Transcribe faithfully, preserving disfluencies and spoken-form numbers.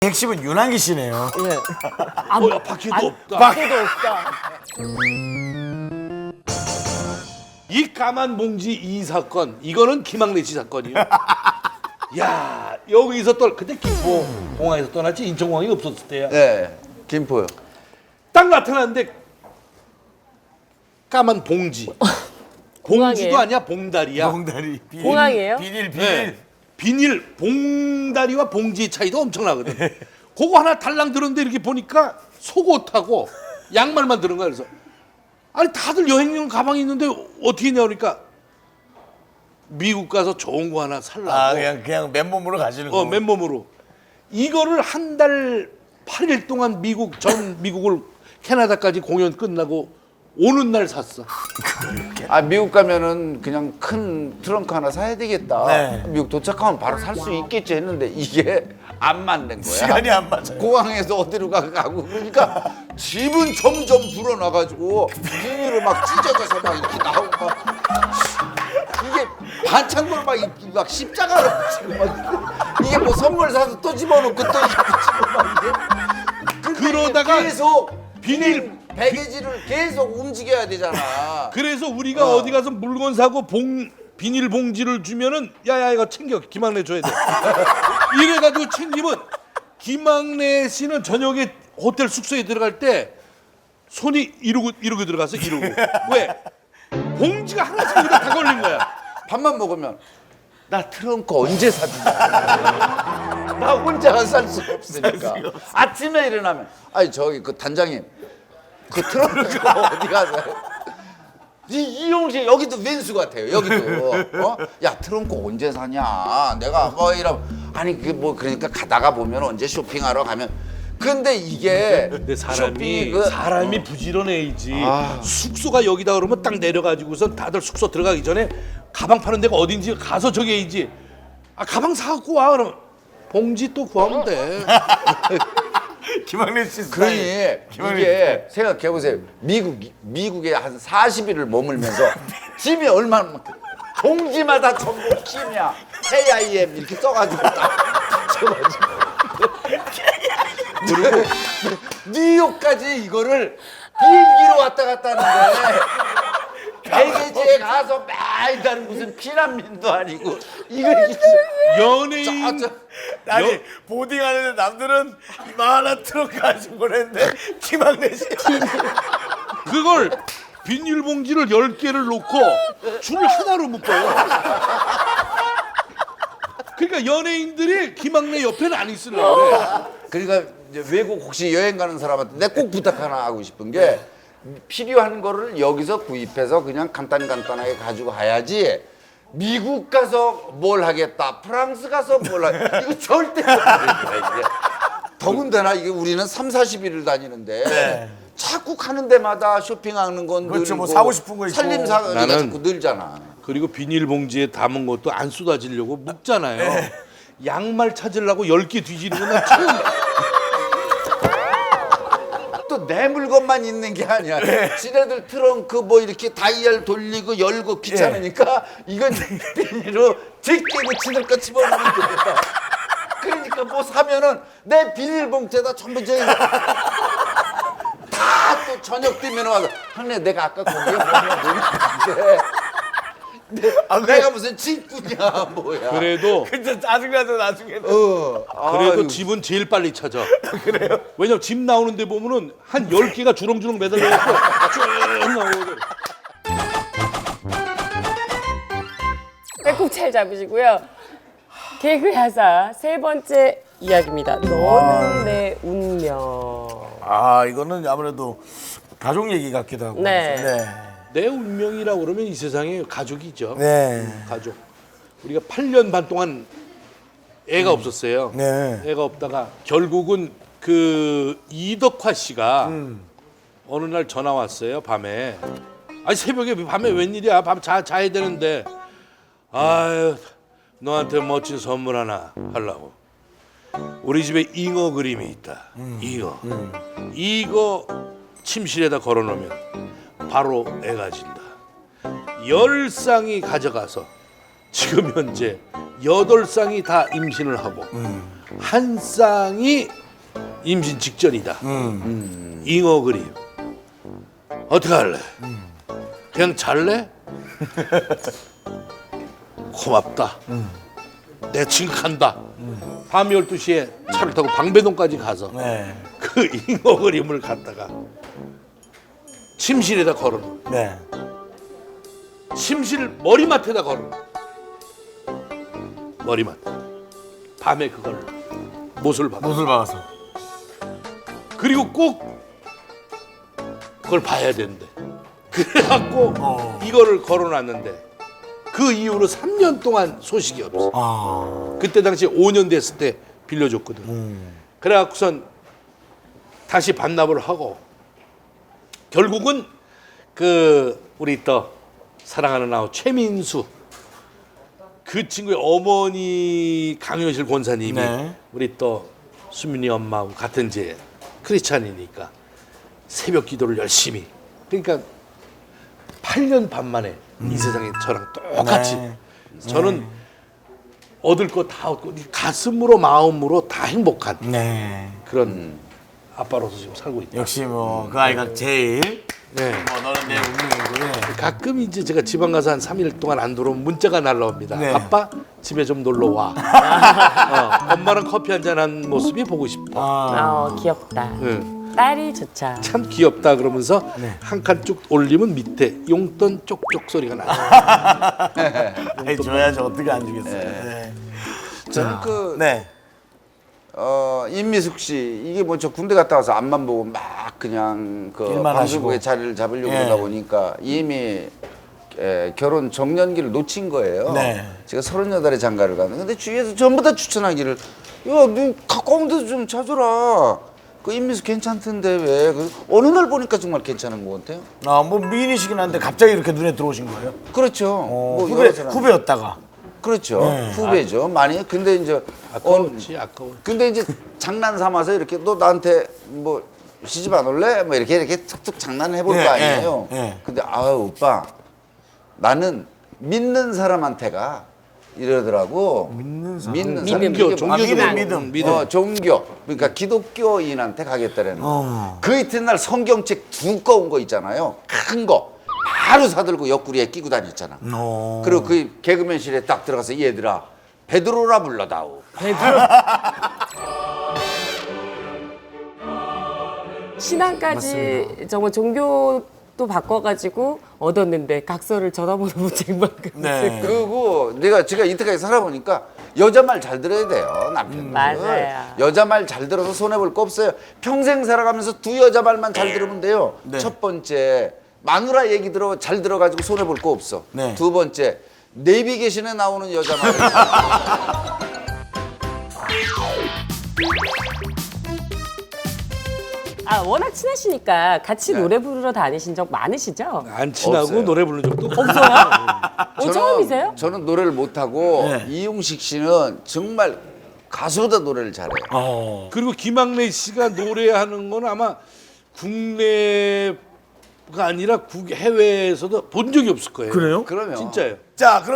핵심은 윤한기 씨네요. 예. 어, 바퀴도 없다. 바퀴도 없다. 이 까만 봉지 이 사건, 이거는 김학래 씨 사건이요. 야, 여기서 또 그때 김포 공항에서 떠났지 인천공항이 없었을 때야. 네, 김포요. 딱 나타났는데 까만 봉지. 봉지도 공항이에요? 아니야, 봉다리야. 봉다리. 비닐, 공항이에요? 비닐, 비닐. 네. 비닐, 봉다리와 봉지의 차이도 엄청나거든. 그거 하나 달랑 들었는데 이렇게 보니까 속옷하고 양말만 들은 거야. 그래서 아니 다들 여행용 가방이 있는데 어떻게 했냐 그러니까 미국 가서 좋은 거 하나 살라고. 아, 그냥, 그냥 맨몸으로 가시는 거. 어, 맨몸으로. 이거를 한 달 팔 일 동안 미국 전 미국을 캐나다까지 공연 끝나고 오는 날 샀어. 아, 미국 가면은 그냥 큰 트렁크 하나 사야 되겠다. 네. 미국 도착하면 바로 살 수 있겠지 했는데 이게 안 맞는 거야. 시간이 안 맞아요. 공항에서 어디로 가- 가고 그러니까 집은 점점 불어나가지고 비닐을 막 찢어져서 막 이렇게 나오고 막 이게 반창고를 막, 이- 막 십자가로 붙이고 막 이게 뭐 선물 사서 또 집어넣고 또 이렇게 붙이고 막 이게 근데 그러다가 이게 계속 비닐 배개지를 계속 움직여야 되잖아. 그래서 우리가 어. 디 가서 물건 사고 봉 비닐 봉지를 주면은 야야 이거 챙겨 김학래 줘야 돼. 이래가지고 챙기면 김학래 씨는 저녁에 호텔 숙소에 들어갈 때 손이 이러고 이러고 들어가서 이러고 왜 봉지가 하나씩 여기다 다 걸린 거야. 밥만 먹으면 나 트렁크 언제 사주냐. 나 혼자 살 수가 없으니까. 아침에 일어나면 아니 저기 그 단장님 그 트렁크가 어디 가서 이 이용식 여기도 왼수 같아요. 여기도 어? 야 트렁크 언제 사냐. 내가 뭐 이러 아니 그게 뭐 그러니까 가다가 보면 언제 쇼핑하러 가면 근데 이게 근데 사람이 쇼핑이 그- 사람이 부지런해야지. 아. 숙소가 여기다 그러면 딱 내려가지고선 다들 숙소 들어가기 전에 가방 파는 데가 어딘지 가서 저기 해야지. 아 가방 사갖고 와 그러면 봉지 또 구하면 돼. 김학래 씨 스타일. 그러니 김학래 이게 생각해 보세요. 미국 미국에 한 사십 일을 머물면서 짐이 얼마나 봉지마다 전부 킴이야. 케이아이엠 이렇게 써가지고 딱 붙여가지고 그리고 뉴욕까지 이거를 비행기로 왔다 갔다 하는데 배계지에 가서 매일 무슨 피난민도 아니고 이걸 이렇게 연예인 저- 저- 아니 여- 보딩하는데 남들은 이만한 트렁크 가지고 보냈는데 김학래 씨 그걸 비닐봉지를 열 개를 놓고 줄 하나로 묶어요. 그러니까 연예인들이 김학래 옆에는 안 있으려고 그래. 그러니까 이제 외국 혹시 여행 가는 사람한테 내 꼭 부탁 하나 하고 싶은 게 필요한 거를 여기서 구입해서 그냥 간단간단하게 가지고 가야지 미국 가서 뭘 하겠다 프랑스 가서 뭘 하겠다 이거 절대 안 됩니다 이게. 더군다나 이게 우리는 삼사십 일을 다니는데 네. 자꾸 가는 데마다 쇼핑하는 건 그렇죠, 늘고 뭐 사고 싶은 거 있고. 살림사가 나는- 자꾸 늘잖아. 그리고 비닐봉지에 담은 것도 안 쏟아지려고 묶잖아요. 양말 찾으려고 열 개 뒤지는 건 난 처음. 또 내 물건만 있는 게 아니야. 지네들 트렁크 뭐 이렇게 다이얼 돌리고 열고 귀찮으니까 이건 비닐로 제끼고 지들 거 집어넣으면 되겠다. 그러니까 뭐 사면은 내 비닐봉지에다 전부 저기 다또 저녁 되면 와서 형네 내가 아까 거기에 뭐냐 뭐냐 아, 내가 무슨 친구냐 뭐야. 그래도 진짜 짜증나죠 나중에는. 어. 그래도 아유. 집은 제일 빨리 찾아. 그래요? 왜냐면 집 나오는데 보면은 한 열 개가 주렁주렁 매달려갖고 쭉 나오거든. 배꼽 잘 잡으시고요. 개그 야사 세 번째 이야기입니다. 너는 내 운명. 아 이거는 아무래도 가족 얘기 같기도 하고. 네. 네. 내 운명이라고 그러면 이 세상에 가족이죠. 네. 가족. 우리가 팔 년 반 동안 애가 없었어요. 네. 애가 없다가 결국은 그 이덕화 씨가 음. 어느 날 전화 왔어요. 밤에. 아니 새벽에 밤에 웬일이야? 밤 자, 자야 되는데. 아유 너한테 멋진 선물 하나 하려고. 우리 집에 잉어 그림이 있다. 잉어. 이거 침실에다 걸어놓으면 바로 애가 진다. 열 쌍이 가져가서 지금 현재 여덟 쌍이 다 임신을 하고 한 쌍이 임신 직전이다. 음. 잉어 그림. 어떻게 할래? 그냥 잘래? 고맙다. 내 지금 간다. 밤 열두 시에 차를 타고 방배동까지 가서 네. 그 잉어 그림을 갖다가 침실에다 걸어놓은 네. 침실 머리맡에다 걸어놓은 머리맡. 밤에 그걸 못을 박아. 못을 박아서. 그리고 꼭 그걸 봐야 된대. 그래갖고 어. 이거를 걸어놨는데 그 이후로 삼 년 동안 소식이 없어. 아. 그때 당시 오 년 됐을 때 빌려줬거든. 음. 그래갖고선 다시 반납을 하고 결국은 그 우리 또 사랑하는 아우 최민수 그 친구의 어머니 강효실 권사님이 네. 우리 또 수민이 엄마하고 같은 제 크리스찬이니까 새벽 기도를 열심히 그러니까 팔 년 반 만에 이 세상에 저랑 똑같이 네. 저는 얻을 거 다 얻고 가슴으로 마음으로 다 행복한 네. 그런 아빠로서 지금 살고 있다. 역시 뭐 그 아이가 제일 네. 뭐 너는 내 운명이고. 네. 가끔 이제 제가 지방 가서 한 삼 일 동안 안 들어오면 문자가 날라옵니다. 네. 아빠 집에 좀 놀러 와. 어, 엄마랑 커피 한잔 한 모습이 보고 싶어. 아. 아 귀엽다. 응. 딸이 좋죠. 참 귀엽다 그러면서 네. 한 칸 쭉 올리면 밑에 용돈 쪽쪽 소리가 나요. 아이 줘야지 어떻게 안 주겠어요. 네. 저는 그 네. 어, 임미숙 씨 이게 뭐 저 군대 갔다 와서 앞만 보고 막 그냥 그 일만 방송국에 하시고. 자리를 잡으려고 예. 하다 보니까 이미 에, 결혼 정년기를 놓친 거예요. 네. 제가 서른여덟에 장가를 가는. 근데 주위에서 전부 다 추천하기를 야, 너 가까운 데서 좀 찾아라. 그 임미숙 괜찮던데 왜? 그 어느 날 보니까 정말 괜찮은 것 같아요. 아뭐 미인이시긴 한데 갑자기 이렇게 눈에 들어오신 거예요? 그렇죠. 어, 뭐 후배 여러 사람- 후배였다가. 그렇죠. 네. 후배죠. 많이. 근데 이제 어, 아까웠지 아까워. 근데 이제 장난 삼아서 이렇게 너 나한테 뭐 시집 안 올래? 뭐 이렇게 이렇게 툭툭 장난해 볼 거 예, 아니에요. 예, 예. 근데 아 오빠 나는 믿는 사람한테가 이러더라고. 믿는 사람. 믿는 사람. 믿음. 종교 이게 종교 아, 믿음, 믿음 믿음. 믿음. 어, 종교. 그러니까 기독교인한테 가겠다라는 거. 어. 그 이튿날 성경책 두꺼운 거 있잖아요. 큰 거. 바로 사들고 옆구리에 끼고 다녔잖아. 어. 그리고 그 개그맨실에 딱 들어가서 얘들아 베드로라 불러다오. 신앙까지 정말 종교도 바꿔가지고 얻었는데 각서를 전화번호 문책만큼 네. 그리고 내가 제가 이때까지 살아보니까 여자 말 잘 들어야 돼요 남편들. 맞아요. 여자 말 잘 들어서 손해 볼 거 없어요. 평생 살아가면서 두 여자 말만 잘 들으면 돼요. 네. 첫 번째 마누라 얘기 들어 잘 들어가지고 손해 볼 거 없어. 네. 두 번째 내비게이션에 나오는 여자 말. 아 워낙 친하시니까 같이 노래 부르러 다니신 적 많으시죠? 안 친하고 없어요. 노래 부르는 적도 없고. 없어요? 어, 처음이세요? 저는 노래를 못하고 네. 이용식 씨는 정말 가수보다 노래를 잘해요. 어. 그리고 김학래 씨가 노래하는 건 아마 국내가 아니라 국 해외에서도 본 적이 없을 거예요. 그래요? 그러면 진짜예요. 자, 그럼